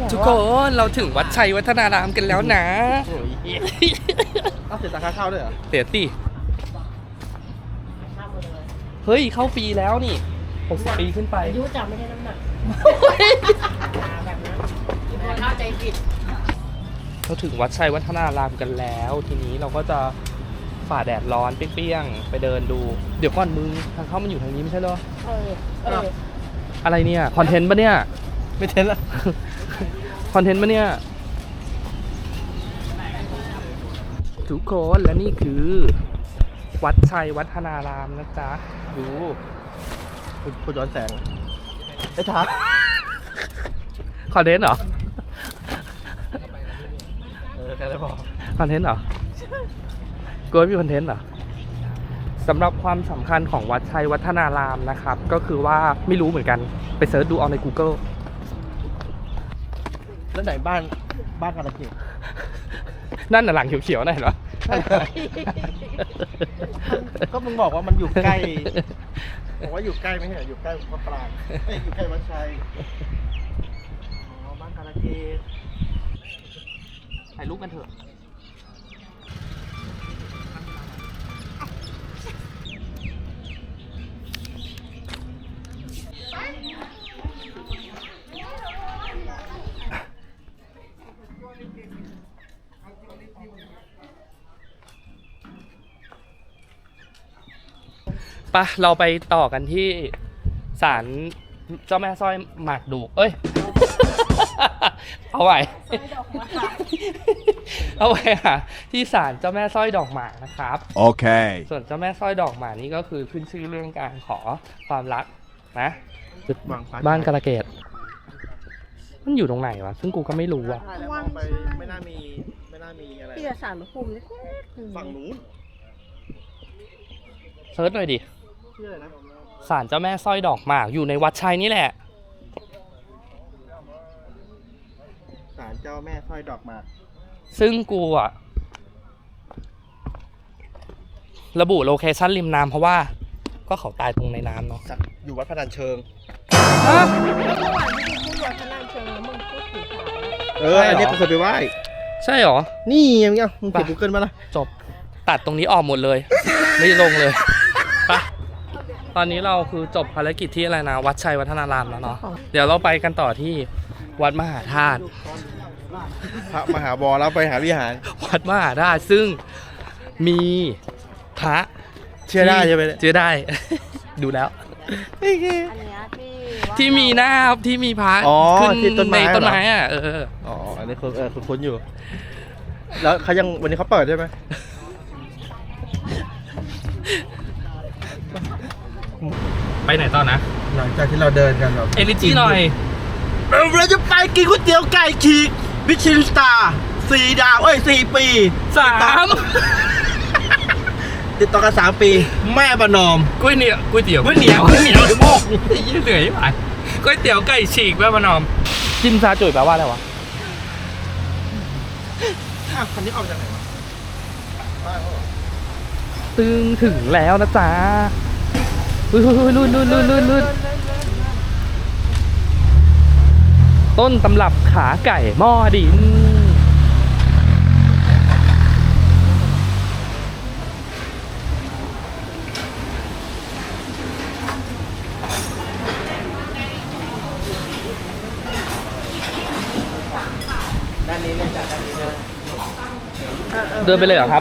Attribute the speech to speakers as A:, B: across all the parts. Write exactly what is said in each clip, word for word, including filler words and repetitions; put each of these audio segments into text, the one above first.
A: ทุกคนเราถึงวัดชัยวัฒนารามกันแล้วนะ
B: เอาเสียตังค่าเข้าด้วยเหรอ
A: เสียสิเฮ้ยเข้าปีแล้วนี่หกสิบปีขึ้นไป
C: อายุจำไม่ได้น้ำหนักแบบนั้นเข้าใจผิด
A: เราถึงวัดชัยวัฒนารามกันแล้วทีนี้เราก็จะฝ่าแดดร้อนเปรี้ยงๆไปเดินดูเดี๋ยวก่อนมึงทางเข้ามันอยู่ทางนี้ไม่ใช่เหรอ
C: เออเออ
A: อะไรเนี่ยคอนเทนต์ปะเนี่ย
B: ไม่เทนละ
A: คอนเทนต์ปะเนี่ยทุกคนและนี่คือวัดชัยวัฒนารามนะจ๊ะดู
B: คุณย้อนแสงไอ้ทัก
A: คอนเทนต์เหรอ
B: เออแค่ได้พอ
A: คอนเทนต์เหรอกูไม่มีคอนเทนต์เหรอสำหรับความสำคัญของวัดชัยวัฒนารามนะครับก็คือว่าไม่รู้เหมือนกันไปเสิร์ชดูเอาใน Google
B: แล้วไหนบ้านบ้านกาลเกต
A: นั่นน่ะหลังเขียวๆนั่นเห็นปะ
B: ก็มึงบอกว่ามันอยู่ใกล้บอกว่าอยู่ใกล้ไม่ใช่เหรออยู่ใกล้พระปรางเอ้ยอยู่ใกล้วัดชัยอ๋อบ้านกาลเกต
A: ถ่ายรูปกันเถอะปะเราไปต่อกันที่ศาลเจ้าแม่สร้อยหมากดูเอ้ย เอาไว้เอาไว้ค่ะที่ศาลเจ้าแม่สร้อยดอกหมากนะครับ
D: โอเค
A: ส่วนเจ้าแม่สร้อยดอกหมากนี่ก็คือขึ้นชื่อเรื่องการขอความรักนะบ้านกาลเกตมันอยู่ตรงไหนวะซึ่งกูก็ไม่รู้อ่ะ
B: มองไปไม่น่ามีไม่น่ามีอะไร
C: ที่จะสารพระภูมิ
B: ฝั่งนู้น
A: เซิร์ชหน่อยดิ
B: ชื่ออะไรนะ
A: ศาลเจ้าแม่สร้อยดอกหมากอยู่ในวัดชัยนี่แหละ
B: ศาลเจ้าแม่สร้อยดอกหมาก
A: ซึ่งกูอะระบุโลเคชั่นริมน้ำเพราะว่าก็เขาตายตรงในน้ำเนาะ
B: อยู่วัดพนัญเชิง
A: ฮะ
C: เมื่อวานที่พูดวัดพนัญเชิงแล้วมึงพูดถึงศาล
B: เอออันนี้กูเคยไปไหว้
A: ใช่หรอ
B: นี่ยังไงมึงเก็บ Google มาละ
A: จบตัดตรงนี้ออกหมดเลย ไม่ลงเลยปะตอนนี้เราคือจบภารกิจที่อะไรนะวัดชัยวัฒนารามแล้วเนาะเดี๋ยวเราไปกันต่อที่วัดมหาธาตุ
B: พระมหาบอแล้วไปหาวิหาร
A: วัดมหาธาตุซึ่งมีพระ
B: เชื่อได้ใช่ไหม
A: เชื่อได้ ดูแล้ว
C: อันนี้ที่
A: ที่มีหน้าที่มีพระขึ้นในต้นไม้อ่ะเออ
B: อ๋ออันนี้คุณเออคุณคุ้นอยู่แล้วเขายังวันนี้เขาเปิดใช่ไหม
A: ไปไหนต่อนะ
B: หลังจากที่เราเดินกันแบบ
A: เอลิจีหน่อย
B: เราจะไปกินก๋วยเตี๋ยวไก่ฉีกมิชลินสตาร์สี่ดาวเอ้ยสี่ปี
A: สาม
B: ติดต่อกันสามปีแม่ประนอม
A: ก๋วยเหนียวก๋วยเตี๋ยว
B: ก๋วยเหนียวก๋วยเหนียวโม่
A: ยิ่งเหนื่อยไปก๋วยเตี๋ยวไก่ฉีกแม่ประนอมจิ้มซาจุ๋ยแปลว่าอะไรวะ
B: อ้าวคันนี้ออกจากไหนวะ
A: ตึงถึงแล้วนะจ๊ะลุยลุยลุยลุยลุยลุยลุยต้นตำรับขาไก่หม้อดิน
B: ด้านนี้เลยจากด้านนี้เลย
A: เดินไปเลยเหรอครับ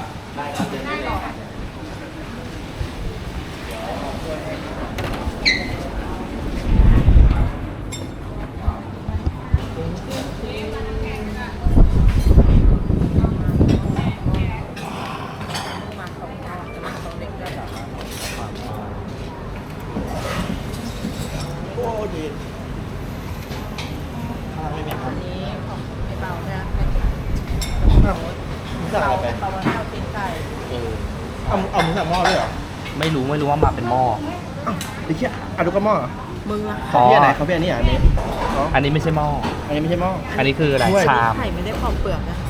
B: โอ้ดี
C: อันนี้ของไอ้เบาเนี่ย
B: สั่งอะไรไป
C: เบาข้าวตีนไก่
A: เออ
B: เอาเอามึงสั่งหม้อด้วยเหรอ
A: ไม่รู้ไม่รู้ว่ามาเป็นหม้อ
B: ไอ้เหี้ยอ่ะดูก็หม้อ
C: มึงอะ
B: เขาเพี้ยไหนเขาเพี้ยนี่อันนี้
A: อันนี้ไม่ใช่หม้อ
B: อันนี้ไม่ใช่หม้อ
A: อันนี้คืออะไรชาม
C: ไข่ไม่ได้ปอกเปลือกนะ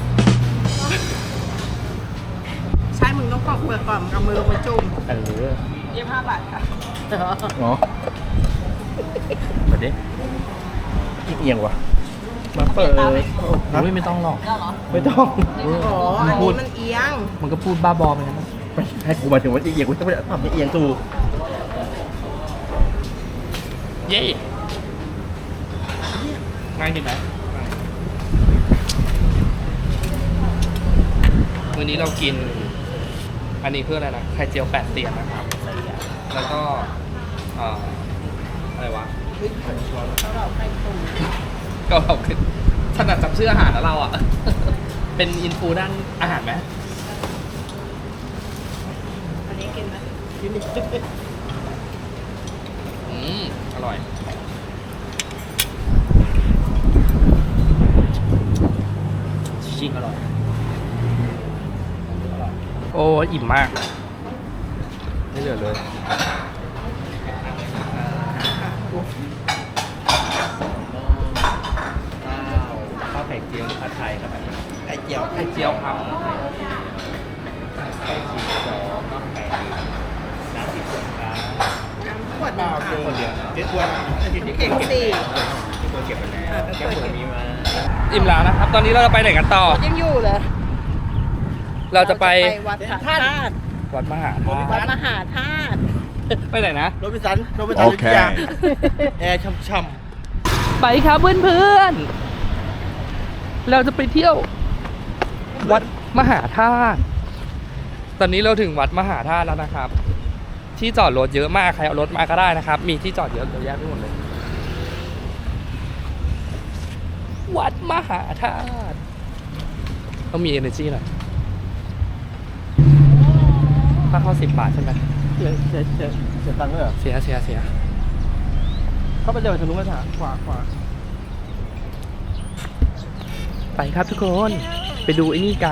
C: ใช่มึงต้องปอกเปลือกก่อนเอามือลงไปจุ่ม
A: เออ
C: ยี่สิบห้าบาทค่ะ
B: อ๋อ
A: มาดิ
B: เอียงวะมาเปิด
A: อุ้ยไม่ต้องหรอก
B: ไม่ต้อง
C: อ๋อ อันนี้มันเอียง
A: มันก็พูดบ้าบอไปนะ
B: ไม่ให้กูมาถึงว่าเอียงกูต้องไปทำให้เอียงถูก
A: เย้ง่ายดีไหมวันนี้เรากิน อันนี้เพื่ออะไรนะไข่เจียวแปดเตียนนะครับ แล้วก็เอ่ออะไรวะก็เราคือถนัดจับชื่ออาหารแล้วเราอ่ะ เป็นอินฟูด้านอาหารไหม
C: อันนี้กินไหม
A: อืมอร่อย
B: จริงอร่อย
A: โอ้อิ่มมาก ไม่เหลือเลย
B: ข้าวไข่เจียวผัดไทยครับไข่เจียว
A: ไข่เจียวครับ
B: ไข่สิบสองก็ไข่น้ำสิบสองครับ
C: ขวดหนึ่งค่ะ
B: คนเดียวเจ๊ควรที่เก่งเก็บ
C: สี่
B: ที่ควรเก็บไปแล้วแก้ปวดมีมา
A: อิ่มแล้วนะครับ ตอนนี้เราจะไปไหนกันต่อ
C: ยังอยู่เลย
A: เราจะไป
C: วัดพระธาตุ
A: วัดมหาธา
C: วัด
A: ตุ
C: มหาธาตุ
A: ไปไหนนะ
B: โรบินสันโรบินสัน
D: โอเค
B: แอร์ช่ำ
A: ไปครับเพื่อนๆ เราจะไปเที่ยว วัดมหาธาตุ ตอนนี้เราถึงวัดมหาธาตุแล้วนะครับ ที่จอดรถเยอะมาก ใครเอารถมาก็ได้นะครับ มีที่จอดเยอะเยอะแยะไปหมดเลย วัดมหาธาตุต้องมี energy หน่อยค่าเข้าสิบบาทใช่ไหม
B: ๆเสียเสียเสียเสียตังค์ด้วยเหรอ
A: เสียเสียเสีย
B: เข้าไปเดินทางนู้นมาถามขวาขวา
A: ไปครับทุกคน ไปดูไอ้นี่กัน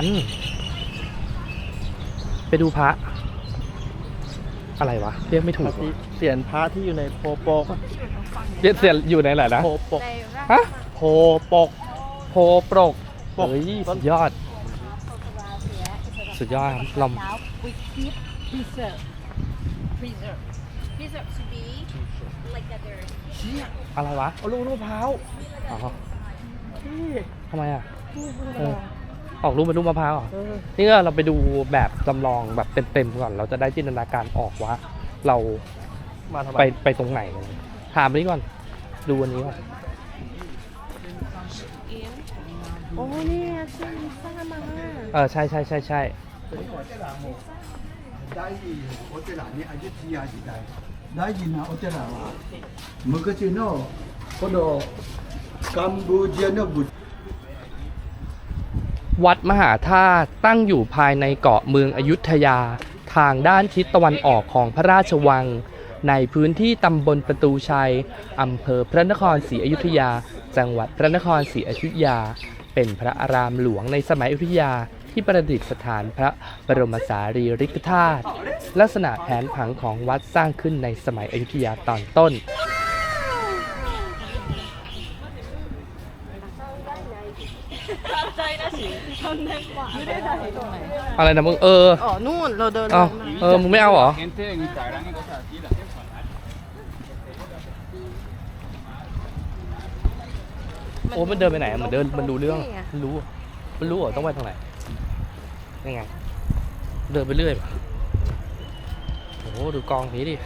A: ไปดูพระ อะไรวะ เรียกไม่ถูก
B: ที่เสียนพระที่อยู่ในโพโปก
A: เรียกเสียอยู่ในไหนนะ
B: โพปก
A: ฮะ
B: โพปก
A: โพปรก
B: ปก
A: เฮ้ยสุดยอด สุดยอดครับลอม
C: we keep preserve preserve preserve to be like that there
A: อะไรวะ
B: เอาลูกมะพร้าว
A: อ๋อทำไมอ่ะเออออกรูปเป็นรูปมะพร้าวเหรอ
B: เออ
A: นี่ก็เราไปดูแบบจำลองแบบเต็มๆก่อน เราจะได้จินตนาการออกว่า เรา
B: มาทำไม
A: ไปไปตรงไหนเลยถามอันนี้ก่อน ดูอันนี้ก่อน
C: โอ้เนี่ยชื่อลิซ่ามา
A: เออ ใช่ใช่ใช่ใช่
D: 大事お寺にアジティア時代大事なお寺は昔のこのカンボジアの仏
A: วัดมหาธาตุตั้งอยู่ภายในเกาะเมืองอยุธยา ทางด้านทิศตะวันออกของพระราชวัง ในพื้นที่ตำบลประตูชัยอำเภอพระนครศรีอยุธยา จังหวัดพระนครศรีอยุธยา เป็นพระอารามหลวงในสมัยอยุธยาที่ประดิษฐานพระบรมสารีริกธาตุลักษณะแผนผังของวัดสร้างขึ้นในสมัยอยุธยาตอนต้น
C: ไม่ได้ถ่ายตรงไหน
A: อะไรนะมึงเออ
C: อ๋อ นู่น เราเดิน
A: เอ้า
C: มา
A: เออมึงไม่เอาเหรอ โอ้มันเดินไปไหนอะมันเดินมันรู้เรื่องมันรู้มันรู้เหรอต้องไปทางไหนยังไง เดินไปเรื่อยโอ้โหดูกองนี้ดิ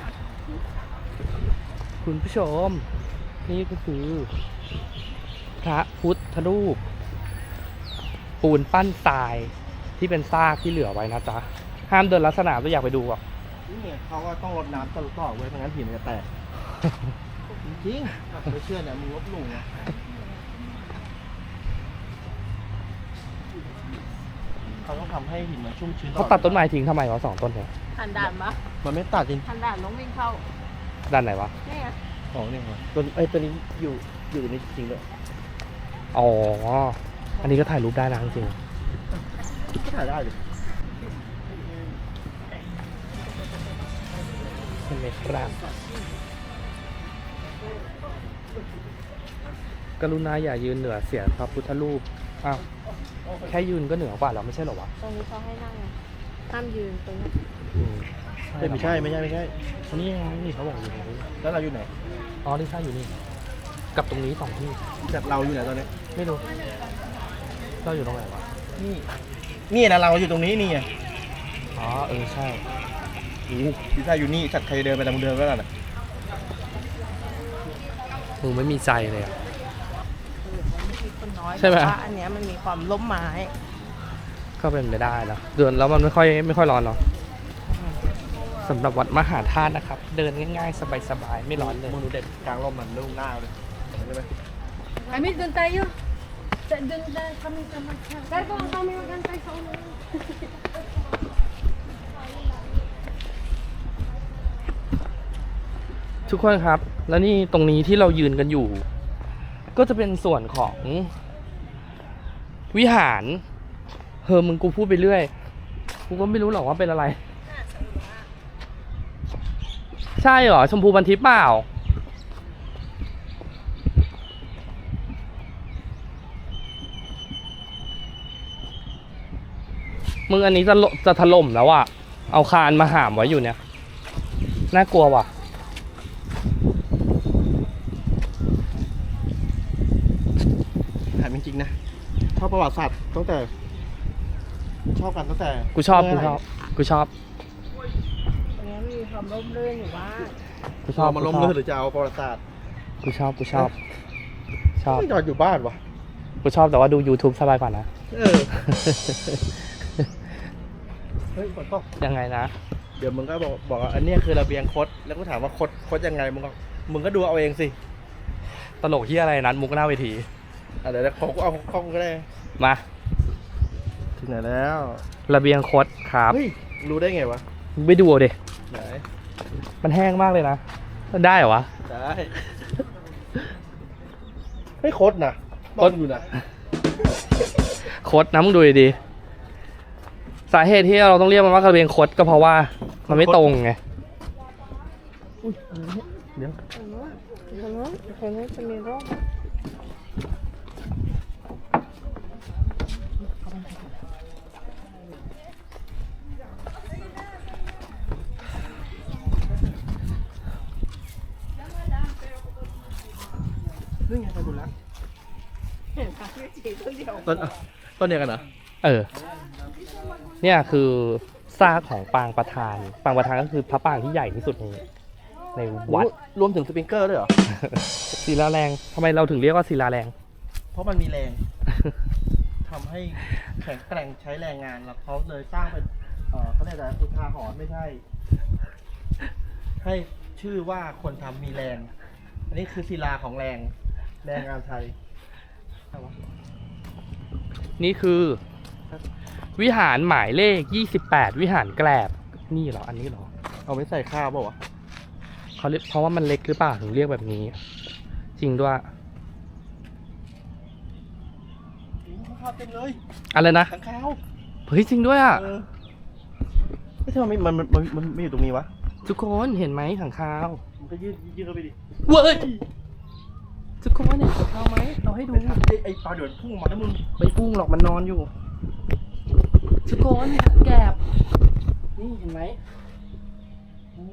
A: คุณผู้ชม นี่ก็คือ พระพุทธรูป ปูนปั้นทรายที่เป็นซากที่เหลือไว้นะจ๊ะ ห้ามเดินลักษณะก็อยากไปดูอ่ะ
B: นี่เขาก็ต้องรดน้ำตลอดต่อไว้ไม่งั้นหินมันจะแตก จริงๆไม่เชื่อเนี่ยมึงลบหลู่นะเขาต้องทำให้หินมันชุ่มชื้น
A: เขาตัดต้นไม้ทิ้งทำไมวะสองต้นเนี่ย
C: ทันด่านปะ
B: มันไม่ตัดจริง
C: ทันด่านต้องวิ่งเข้า
A: ด้านไหนวะ
C: นี่ไง
B: ของเนี่ยครับตัวไอ้ยตัวนี้อยู่อยู่ในจริงเลย
A: อ๋อ อันนี้ก็ถ่ายรูปได้นะจริง
B: ก็ถ่ายได้เลย
A: ๆเห็นไหมครับ กรุณาอย่ายืนเหนือเสียงพระพุทธรูป อ้าว แค่ยืนก็เหนือกว่าแล้วไม่ใช่เหรอวะ
C: ตรงนี้เขาให้นั่งไงห้ามยืนตรงนี้
A: อืม
B: เอ้ยไม่ใช่ไม่ใช่ไม่ใช่
A: นี่ไงนี่เขาบอกอยู่ตรงนี้
B: แล้วเราอยู่ไหน
A: อ๋อลิซ่าอยู่นี่กับตรงนี้สองที่
B: จากเราอยู่ไหนตอนนี้
A: ไม่รู้เราอยู่ตรงไหนวะ
B: นี่นี่นะเราอยู่ตรงนี้นี่ไง
A: อ๋อเออใช่
B: โอ้โหพิซซ่าอยู่นี่จัดใครเดินไปตามเดินก็ได้นะ
A: มึงไม่มีใจเลยอะ
C: คนน้อย
A: ใช่ไหม
C: แต่ว่าอันเนี้ยมันมีความล้มไม้
A: ก็เป็นไปได้นะเดินแล้วมันไม่ค่อยไม่ค่อยร้อนหรอกสำหรับวัดมหาธาตุนะครับ เดินง่ายๆ สบายๆ ไม่ร้อนเลย
B: มึงดูเด็ดกลางร่มมันลุ่มหน้าเลยใช่ไหม
C: Kami doon tayo. Sa- Doon na kami sa magsa. Kaya kung kami magantay sa ulo.
A: ทุกคนครับ แล้วนี่ตรงนี้ที่เรายืนกันอยู่ ก็จะเป็นส่วนของวิหารเฮอมึงกูพูดไปเรื่อยกูก็ไม่รู้หรอกว่าเป็นอะไร ใช่เหรอ ชมพูบันทิพย์เปล่า มึงอันนี้จะลจะถล่มแล้วอ่ะ เอาคานมาหามไว้อยู่เนี่ย น่ากลัวว่ะ
B: ถามจริงๆนะชอบประวัติศาสตร์ตั้งแต่ ชอบกันตั้งแต่
A: กูชอบ กู
B: เมื่ไห
A: ช
B: ร่
A: อบ กูชอบ
C: อันเนี้ยมีความร่มรื่นอยู่บ้าง
A: กูชอบ
B: เอามาล้ม
A: กูช
B: เลิ
A: อบ
B: กหรือจะเอาประวัติศาสตร์
A: กูชอบ กูชอบ ชอบ
B: ไม่ยอมอยู่บ้านวะ
A: กูชอบแต่ว่าดู YouTube สบายกว่านะ
B: เออ เฮ้ยฝนตก
A: ยังไงนะ
B: เดี๋ยวมึงก็บอกบอกว่าอันเนี้ยคือระเบียงคดแล้วก็ถามว่าคดคดยังไงมึงก็มึงก็ดูเอาเองสิ
A: ตลกที่อะไรนั้นมุกหน้าเวที
B: อ่ะเดี๋ยวเขาก็เอากล้องก็ได้
A: มา
B: ถึงไหนแล้ว
A: ระเบียงคดครับ
B: เฮ้ยรู้ได้ไงวะ
A: มึงไปดูเอาดิ
B: ไหน
A: มันแห้งมากเลยนะ ได้เหรอวะ
B: ได้ไม่คดนะ
A: คด
B: อยู่นะ
A: คดนะมึงดูดีๆสาเหตุที่เราต้องเรียกมันว่าระเบียงคดก็เพราะว่ามันไม่ตรงไง
B: เดี๋ยว
C: ตรงนู้นตรงนู้นตรงนู้นจะมีร่ม
B: เรื่องไงไปดูแล้ว
C: เห็นปะไม่จีต้นเดียว
B: ต้นอ่ะต้นเดียวกันเหรอ
A: เออ เนี่ยคือซากของปางประธาน ปางประธานก็คือพระปางที่ใหญ่ที่สุดในในวัด
B: รวมถึงสปริงเกอร์ด้วยเหรอ
A: ศิลาแรงทำไมเราถึงเรียกว่าศิลาแรง
B: เพราะมันมีแรงทำให้แข็งแกร่งใช้แรงงานแล้วเขาเลยสร้างเป็นเออเขาเรียกอะไรอุทาหรณ์ไม่ใช่ ให้ชื่อว่าคนทำมีแรง อันนี้คือศิลาของแรง แรงงานไทย
A: นี่คือ วิหารหมายเลขยี่สิบแปดวิหารแกลบ นี่เหรอ อันนี้เหรอ
B: เอาไว้ใส่ข้าวเปล่าวะ
A: เขาเรียกเพราะว่ามันเล็กหรือเปล่าถึงเรียกแบบนี้ จริงด้วย
B: ข้าวเต็มเลย
A: อะไรนะ
B: ข้างข้าว
A: เฮ้ยจริงด้วยอ่ะ
B: เออไม่ใช่มันไม่มันมันมันมันไม่อยู่ตรงนี้วะ
A: ทุกคนเห็นไหมขังคาว
B: มันก็ยืดยืดเข้าไปดิ
A: เว้ยทุกคนเห็นขังคาวไหมเราให้ดู
B: ไม่ทันไอ้ไอ้ปลาเดือดพุ่งมาแล้วมึง
A: ไม่พุ่งหรอกมันนอนอยู่ ทุกคนแกบนี่เห็นไหมโอ้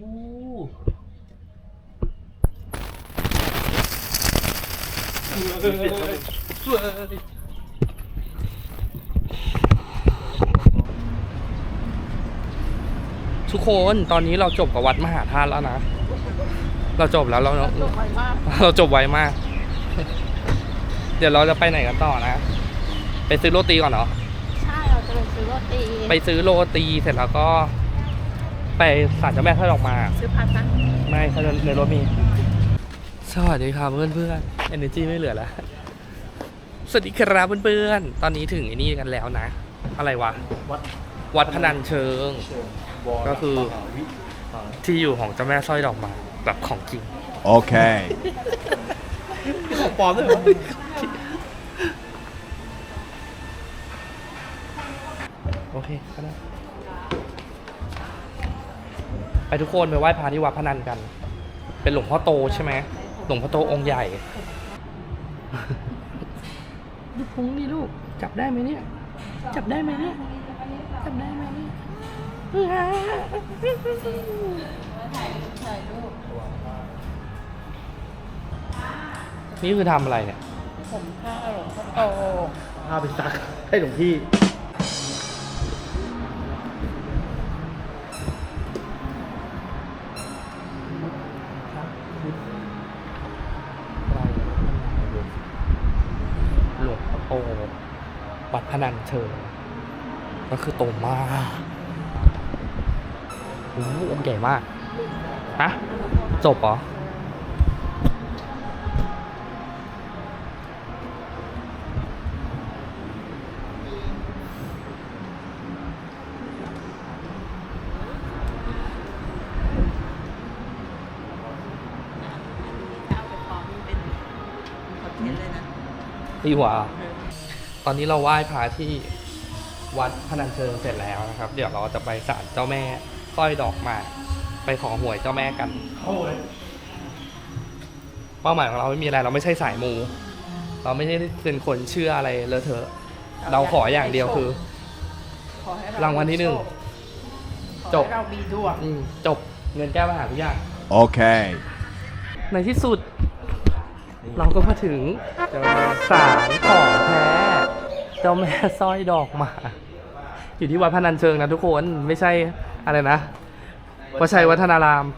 A: ทุกคนตอนนี้เราจบกับวัดมหาธาตุแล้วนะ เราจบแล้วเรา
C: จบไวมาก
A: เราจบไวมาก เดี๋ยวเราจะไปไหนกันต่อนะ ไปซื้อโรตีก่อนเหรอ
C: ใช่เราจะไปซื้อโรตี
A: ไปซื้อโรตีเสร็จแล้วก็ ไปศาลเจ้าแม่ท่าดอกมา
C: ซื้อพัดนะ
A: ไม่ถ้าในรถมี สวัสดีครับเพื่อนเพื่อนเอเนจีไม่เหลือแล้ว สวัสดีครับเพื่อนๆตอนนี้ถึงไอ้นี่กันแล้วนะ อะไรวะ
B: วัด
A: วัดพนัญเชิง
B: เชิงวร
A: ก็คือ
B: มหาวิหาร
A: ที่อยู่ของเจ้าแม่สร้อยดอกไม้แบบของจริง
E: Okay.
B: ของปลอมด้วยเหรอ
A: โอเคก็ได้ไปทุกคนไปไหว้พระที่วัดพนัญกัน เป็นหลวงพ่อโตใช่ไหมหลวงพ่อโตองค์ใหญ่ ดูพุงดิลูก จับได้ไหมเนี่ย จับได้ไหมเนี่ย จับได้ไหมเนี่ยนี่คือทำอะไรเนี่ย
C: ผมผ้าหลวงพ่อโต
B: พาไปซักให้หลวงพี่
A: หลวงพ่อโตวัดพนัญเชิงก็คือโตมากโอ้โหองค์ใหญ่มากฮะจบเหรอ
C: เอาไปพร้อมเป็นคอนเทนต์เลยนะ
A: ดีกว่า ตอนนี้เราไหว้พระที่วัดพนัญเชิงเสร็จแล้วนะครับ เดี๋ยวเราจะไปศาลเจ้าแม่สร้อยดอกหมากไปขอหวยเจ้าแม่กัน
B: โอ้ย
A: เป้าหมายของเราไม่มีอะไรเราไม่ใช่สายมู เราไม่ใช่เป็นคนเชื่ออะไรเลอะเทอะ เราขออย่างเดียวคือ
C: ขอให้เ
A: รางวัลที่หนึ่ง
C: ขอ
A: จบ
C: ให้เรามีดวง
A: อืมจบเงินแก้ปัญหาทุกอย่าง
E: Okay.
A: ในที่สุด เราก็มาถึงศาลของแท้เจ้าแม่สร้อยดอกหมากอยู่ที่วัดพนัญเชิงนะทุกคนไม่ใช่อะไรนะวัดชัยวัฒนาราม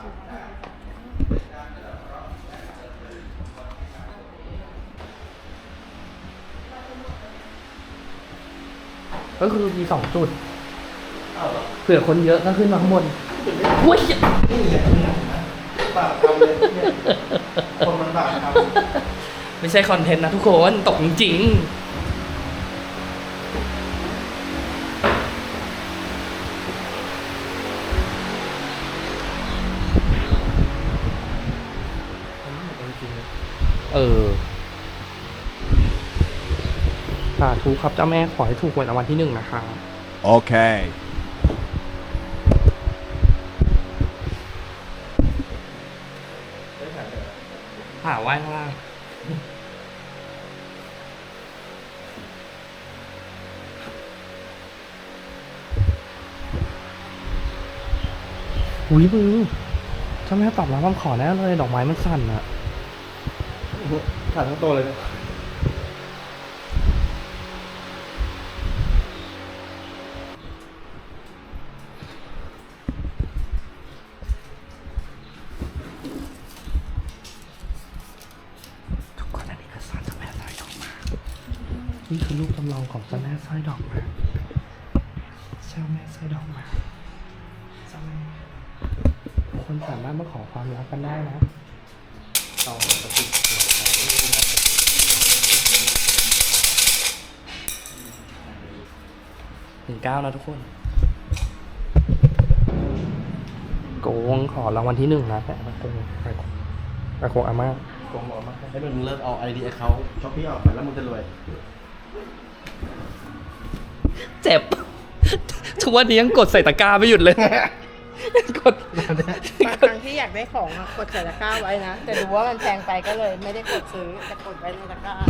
A: ก็คือมีสองจุดเผื่อคนเยอะก็ขึ้นมาข้างบนอุ้ย
B: บาปทำเลยเนี่ยคนมันบาปทำ
A: ไม่ใช่คอนเทนต์นะทุกคนตกจริงๆเออสาธุครับเจ้าแม่ขอให้ถูกหวยรางวัลที่หนึ่งนะคะ
E: Okay.
A: หาไหว้ข้างล่างอุ้ยมึงเจ้าแม่ตอบรับคำขอแน่เลยดอกไม้มันสั่นอะ
B: ขาดทั้งโตเลยเนี่ย
A: ทุกคนอันนี้คือสารเจ้าแม่สร้อยดอกหมากนี่คือรูปจำลองของเจ้าแม่สร้อยดอกหมากเจ้าแม่สร้อยดอกหมากเจ้าแม่คนสามารถมาขอความรักกันได้นะต่อปฏิบัติหนึ่งเก้านะทุกคนโกงขอรางวัลที่หนึ่งนะแต่มาโกงไปโกงไปโกงอาม่า
B: โกงบอกมาให้มึงเลิกเอาไอเดียเขาช้อปปี้ออกไปแล้วมึงจะรวย
A: เจ็บ ทุกวันนี้ยังกดใส่ตะกร้าไม่หยุดเลย กด
C: บางครั้งที่อยากได้ของอะกดใส่ตะกร้าไว้นะ แต่ดูว่ามันแพงไปก็เลยไม่ได้กดซื้อแต่กดไว้ในตะกร้า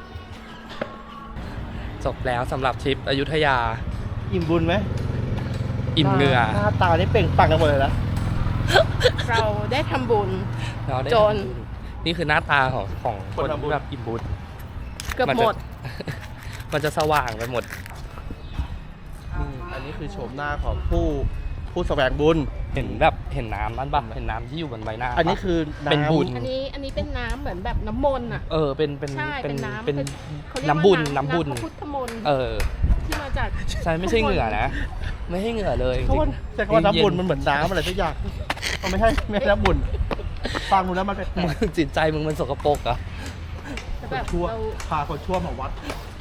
A: จบแล้วสำหรับทริปอยุธยา
B: อิ่มบุญไหม
A: อิ่มเหงื่อ
B: หน้าตานี่เปล่งปลั่งกันหมดเลยนะ
C: เราได้ทำบุญ
A: เราได้
C: จน
A: นี่คือหน้าตาของของค
B: คน
A: น
B: ทำบุญ
A: ที่แบบอิ่มบุญ
C: เกือบ
A: นจะ
C: หมด
A: มันจะสว่างไปหมด
B: อืมอันนี้คือโฉมหน้าของผู้ผู้แสวงบุญ
A: เห็นแบบเห็นน้ำนั่นปะเห็นน้ำที่อยู่บนใบหน้าปะ
B: อันนี้คือน้ำ
A: เป็นบุญ
C: อันนี้อันนี้เป็นน้ำเหมือนแบบน้ำมนต์อ่ะ
A: เออเป็นเป็น
C: ใช่ เป็นน้ำ
A: เป็น
C: เขาเรียกว่า
A: น้ำบุญน้ำบุญ
C: พระพุทธมนต์
A: เออ
C: ที่มาจาก
A: ใช่ไม่ใช่เหงื่อนะ ไม่ใช่เหงื่อเลย
B: เขาว่าใช้คำว่าน้ำบุญ
A: เย็
B: มันเหมือนน้ำอะไรสักอย่างมันไม่ใช่ไม่ใช่น้ำบุญฟังดูแล้วมันแปล
A: มึง
B: ก
A: จิตใจมึงมันสกปรกเหรอะ
C: แต่
B: ๆค
C: แบ
B: น
C: บ
B: ชั่ว
C: เรา
B: พาคนชั่วมาวัด